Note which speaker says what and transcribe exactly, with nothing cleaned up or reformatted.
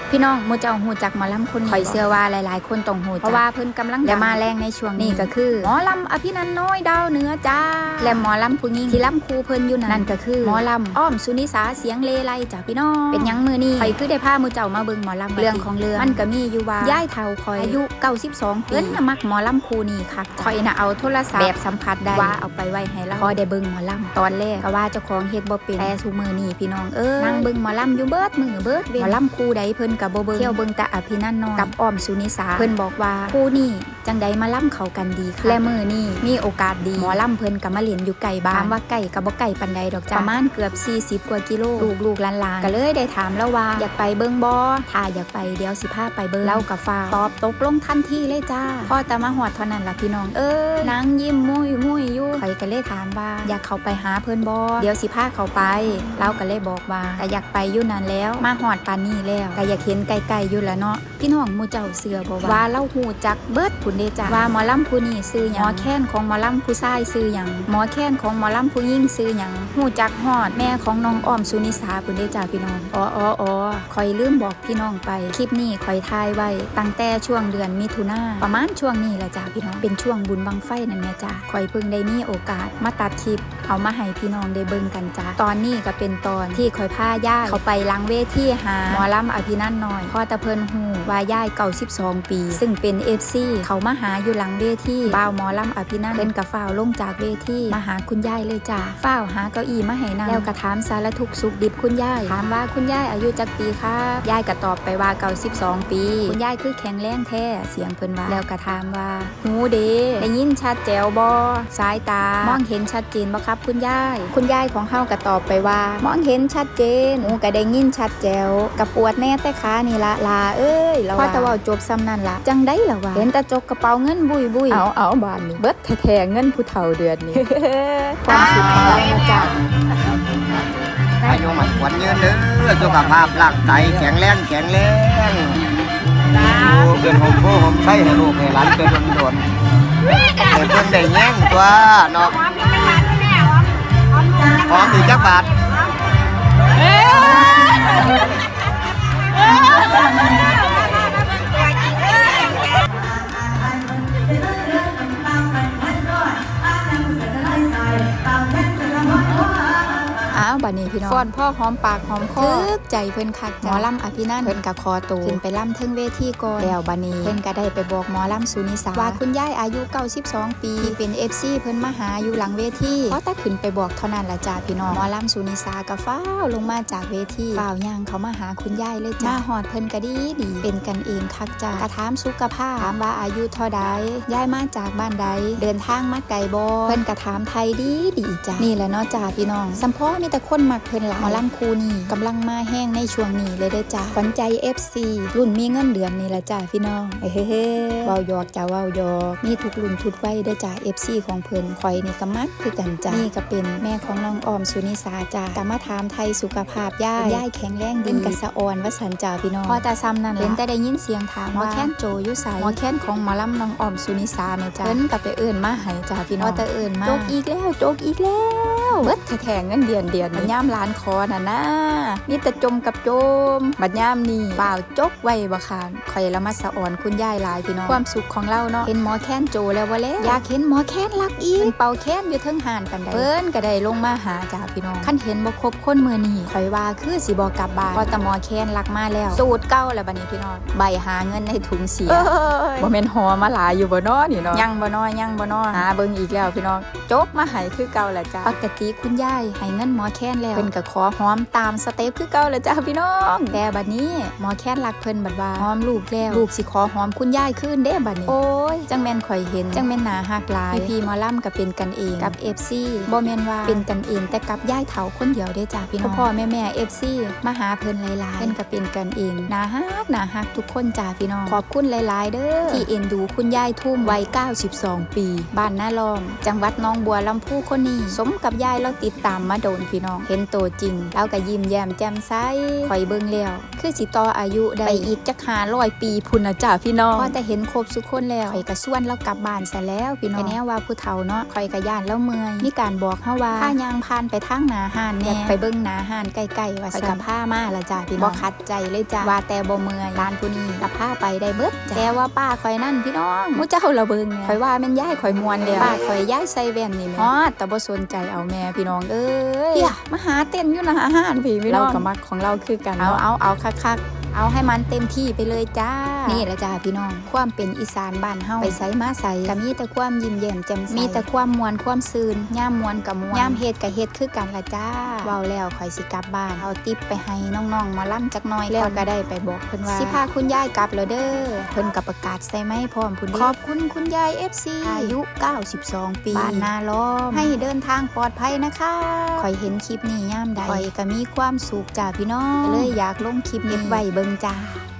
Speaker 1: พี่น้องมูเจ้าหูจักหมอลำคนนี้ข่อยเชื่อว่าหลายๆคนต้องหูจักเพราะว่าเพิ่นกำลังและมาแรงในช่วงนี้ก็คือหมอลำอภินันท์น้อยดาวเหนือจ้าและหมอลำผู้หญิงที่ลำคู่เพิ่นอยู่นั่นก็คือหมอลำอ้อมสุนิสาเสียงเลไลจ้าพี่น้องเป็นหยังมื้อนี้ข่อยคือได้พามูเจ้ามาเบิ่งหมอลำเรื่องของเรื่องมันก็มีอยู่ว่าย่ายเฒ่าข่อยอายุเก้าสิบสองปีเพิ่นน่ะมักหมอลำคู่นี้คักข่อยน่ะเอาโทรศัพท์แบบสัมผัสได้ว่าเอาไปไว้ให้เราพอได้เบิ่งหมอลำตอนแรกก็ว่าเจ้าของเฮ็ดบ่เป็นแต่ซุมื้อนี้พี่น้องเอ้ยนั่งเบิ่งหมอลำอยู่เบิดมื้อเบิดเว้นหมอลำคู่ใดเพิ่นก็บ่เบิ่งเที่ยวเบิ่งแต่อภินันท์น้อยกับอ้อมสุนิสาเพิ่นบอกว่าคู่นี้จังใดมาล่ำเข้ากันดีค่ะและมื้อนี้มีโอกาสดีหมอลำเพิ่นก็มาเล่นอยู่ไกลบ้านถามว่าไกลก็บ่ไกลปานใดดอกจ้าประมาณเกือบสี่สิบกว่ากิโลลูกๆหลานๆก็เลยได้ถามแล้วว่าอยากไปเบิ่งบ่ถ้าอยากไปเดี๋ยวสิพาไปเบิ่งเล่ากับฟ้าตอบตกลงทันทีเลยจ้าพอแต่มาฮอดเท่านั้นล่ะพี่น้องเอ้ยนางยิ้มมุ้ยมุ้ยอยู่ข่อยก็เลยถามว่าอยากเข้าไปหาเพิ่นบ่เดี๋ยวสิพาเข้าไปเล่าก็เลยบอกว่าก็อยากไปอยู่นั่นแล้วมาฮอดปานนี้แล้วก็อยากเห็นไกลๆอยู่แล้วเนาะพี่น้องหมู่เจ้าเสือบ่ว่าเล่าฮู้จักเบิดพุ่นเด้จ้าว่าหมอลำผู้นี้ชื่อหยังหมอแค้นของหมอลำผู้ชายชื่อหยังหมอแค้นของหมอลำผู้หญิงชื่อหยังฮู้จักฮอดแม่ของน้องอ้อมสุนิสาพุ่นเด้จ้าพี่น้องอ๋ออ๋ออ๋อข่อยลืมบอกพี่น้องไปคลิปนี้ข่อยถ่ายไว้ตั้งแต่ช่วงเดือนมิถุนาประมาณช่วงนี้แหละจ้าพี่น้องเป็นช่วงบุญบังไฟนั่นแหละจ้าข่อยเพิ่งได้มีโอกาสมาตัดคลิปเอามาให้พี่น้องได้เบิ่งกันจ้าตอนนี้ก็เป็นตอนที่ข่อยพาย่าเขาไปหลังเวทีหาหมอลำอภินันท์น้อยพอตะเพิ่นฮู้ว่าย่ายเก้าสิบสองปีซึ่งเป็น เอฟ ซี เขามาหาอยู่หลังเวทีบ่าวหมอลำอภินันท์เพิ่นก็ฟ้าวลงจากเวทีมาหาคุณยายเลยจ้าฟ้าวหาเก้าอี้มาให้นั่งแล้วก็ถามสารทุกข์สุขดิบคุณยายถามว่าคุณยายอายุจักปีครับยายก็ตอบไปว่าเก้าสิบสองปีคุณยายคือแข็งแรงแท้เสียงเพิ่นว่าแล้วก็ถามว่าหูเด้ได้ยินชัดแจ๋วบ่สายตามองเห็นชัดเจนบ่ครับคุณยายคุณยายของเฮาก็ตอบไปว่ามองเห็นชัดเจนหูก็ได้ยินชัดแจ๋วก็ปวดแน่แต่ขานี่ละลาเอ้ยพอแต่ว่าจบซ้ำนั่นล่ะจังได้ล่ะว่าเห็นแต่จกกระเป๋าเงินบุยบุยเอาเอาบานนี้เบิดแท้ๆเงินผู้เฒ่าเดือนนี้ ความสุขของเรานะจ๊ะ
Speaker 2: อายุมันควรยืนเด้อสุขภาพร่างกายแข็งแรงแข็งแรงดูเกินหอมโพหอมไส้ให้ลูกให้หลานเกินโดนๆให้เพิ่นได้แย่งตัวเนาะหอมอีกจักบาท
Speaker 1: อ้าวบัดนี้พี่น้องฟ้อนพ่อหอมปากหอมคอทึกใจเพิ่นคักหมอลำอภินันท์เพิ่นก็คอตูขึ้นไปลำเทิงเวทีก่อนแล้วบัดนี้เพิ่นก็ได้ไปบอกหมอลำสุนิสาว่าคุณยายอายุเก้าสิบสองปีที่เป็น เอฟ ซี เพิ่นมาหาอยู่หลังเวทีพอแต่ขึ้นไปบอกเท่านั้นล่ะจ้าพี่น้องหมอลำสุนิสาก็ฟ้าวลงมาจากเวทีฟ้าวย่างเขามาหาคุณยายเลยจ้ามาฮอดเพิ่นก็ดีดีเป็นกันเองคักจ้ากระถามสุขภาพถามว่าอายุเท่าใดยายมาจากบ้านใดเดินทางมาไกลบ่เพิ่นก็ถามไทยดีดีจ้านี่แหละเนาะจ้าพี่น้องสัมพอมีแต่คนมักเพิ่นหมอลำคู่นี้กำลังมาแห้งในช่วงนี้เลยเด้อจ้าขวัญใจ เอฟ ซี รุ่นมีเงินเดือนนี่แหละจ้าพี่น้องเฮ้เฮ้เว้าหยอกจ้าเว้าหยอกมีทุกรุ่นทุกวัยเด้อจ้า เอฟ ซี ของเพิ่นข่อยนี่ก็มักคือกันจ้านี่ก็เป็นแม่ของน้องออมสุนิสาจ้าก็มาถามไทยสุขภาพย่ายย่ายแข็งแรงดีกะสะอ่อนว่าสันจ้าพี่น้องพอแต่ซ้ำนั่นเห็นแต่ได้ยินเสียงถามว่าแค้นโจอยู่ไสหมอแค้นของหมอลำน้องออมสุนิสาแม่จ้าเพิ่นก็ไปเอิ้นมาให้จ้าพี่น้องพอแต่เอิ้นมาโจกอีกแล้วโจกอีกแล้วเบิดแท้ๆเงินเดือนเดือนมันยามร้านคอน่ะนะมีแต่จมกับโจมบัดยามนี่เปล่าจกไว้บ่คานข่อยละมาสะอ่อนคุณยายหลายพี่น้องความสุขของเราเนาะเห็นหมอแค้นโจแล้วว่าแล้วอยากเห็นหมอแค้นรักอีกเป่าแค้นอยู่เทิงห่านปานใดเพิ่นก็ได้ลงมาหาจ้าพี่น้องคันเห็นบ่ครบคนมื้อนี้ข่อยว่าคือสิบ่กลับบ้านเพราะแต่หมอแค้นรักมาแล้วสูตรเก่าแล้วบัดนี้พี่น้องใบหาเงินในถุงเสียบ่แม่นหอมาหลายอยู่บ่น้อนี่เนาะยังบ่น้อยังบ่น้อหาเบิ่งอีกแล้วพี่น้องจกมาให้คือเก่าแหละจ้าปกติคุณยายให้เงินหมอแค้นแล้วเพิ่นก็ขอหอมตามสเต็ปคือเก่าแหละจ้าพี่น้องแต่บัดนี้หมอแค้นรักเพิ่นบัดว่าหอมลูกแล้วลูกสิขอหอมคุณยายคืนเด้บัดนี้โอ้ยจังแม่นข่อยเห็นจังแม่นหน้าฮักหลายพี่ๆหมอลำก็เป็นกันเองกับ เอฟ ซี บ่แม่นว่าเป็นกันเองแต่กับยายเฒ่าคนเดียวเด้จ้าพี่น้องพ่อแม่ๆ เอฟ ซี มาหาเพิ่นหลายๆเพิ่นก็เป็นกันเองหน้าฮักหน้าฮักทุกคนจ้าพี่น้องขอบคุณหลายๆเด้อที่เอ็นดูคุณยายทุ่มวัยเก้าสิบสองปีบ้านนาลอมจังหวัดหนองบัวลำพูคนนี้สมกับยายเราติดตามมาโดนพี่น้องเห็นตัวจริงเราก็ยิ้มแย้มแจ่มใสคอยเบิ่งแล้วคือสิต่ออายุได้ไปอีกจักห้าร้อยปีพุ่นนะจ้าพี่น้องพอแต่เห็นครบทุกคนแล้วคอยก็ส่วนเรากลับบ้านซะแล้วพี่น้องแน่ว่าผู้เฒ่าเนาะคอยก็ย่านแล้วเมื่อยมีการบอกเฮาว่าถ้ายางผ่านไปทางหน้าห้านแน่ไปเบิ่งหน้าห้านใกล้ๆว่าสิกับผ้ามาละจ้าพี่น้องบ่ขัดใจเลยจ้าว่าแต่บ่เมื่อยร้านผู้นี้รับผ้าไปได้เบิดแต่ว่าป้าคอยนั่นพี่น้องมู้เจ้าละเบิ่งเนี่ยคอยว่าแม่นย้ายคอยมวนแล้วป้าคอยย้ายใส่แว่นนี่แม่ฮอดแต่บ่สนใจเอาแม่พี่น้องเอ้ยเฮียมาหาเต้นอยู่หน้าห้านพี่พี่น้องเราก็มักของเราคือกันเอาเอาเอาคักๆเอาให้มันเต็มที่ไปเลยจ้านี่แหละจ้าพี่น้องความเป็นอีสานบ้านเฮาไปไสมาไสก็มีแต่ความยิ้มแย้มแจ่มใสมีแต่ความมวลความซื่นย่ามมวลกับมวลย่ามเฮ็ดกับเฮ็ดคือกันละจ้าเว้าแล้วข่อยสิกลับบ้านเอาติ๊บไปให้น้องๆหมอลำจักหน่อยแล้วก็ได้ไปบอกเพิ่นว่าสิพาคุณยายกลับแล้วเด้อเพิ่นก็ประกาศใส่ไม้พร้อมพุ่นขอบคุณคุณยาย เอฟ ซี อายุเก้าสิบสองปีบ้านนาล้อมให้เดินทางปลอดภัยนะคะข่อยเห็นคลิปนี้ย่ามใดข่อยก็มีความสุขจ้าพี่น้องเลยอยากลงคลิปนี้ไว้เบิ่งจ้า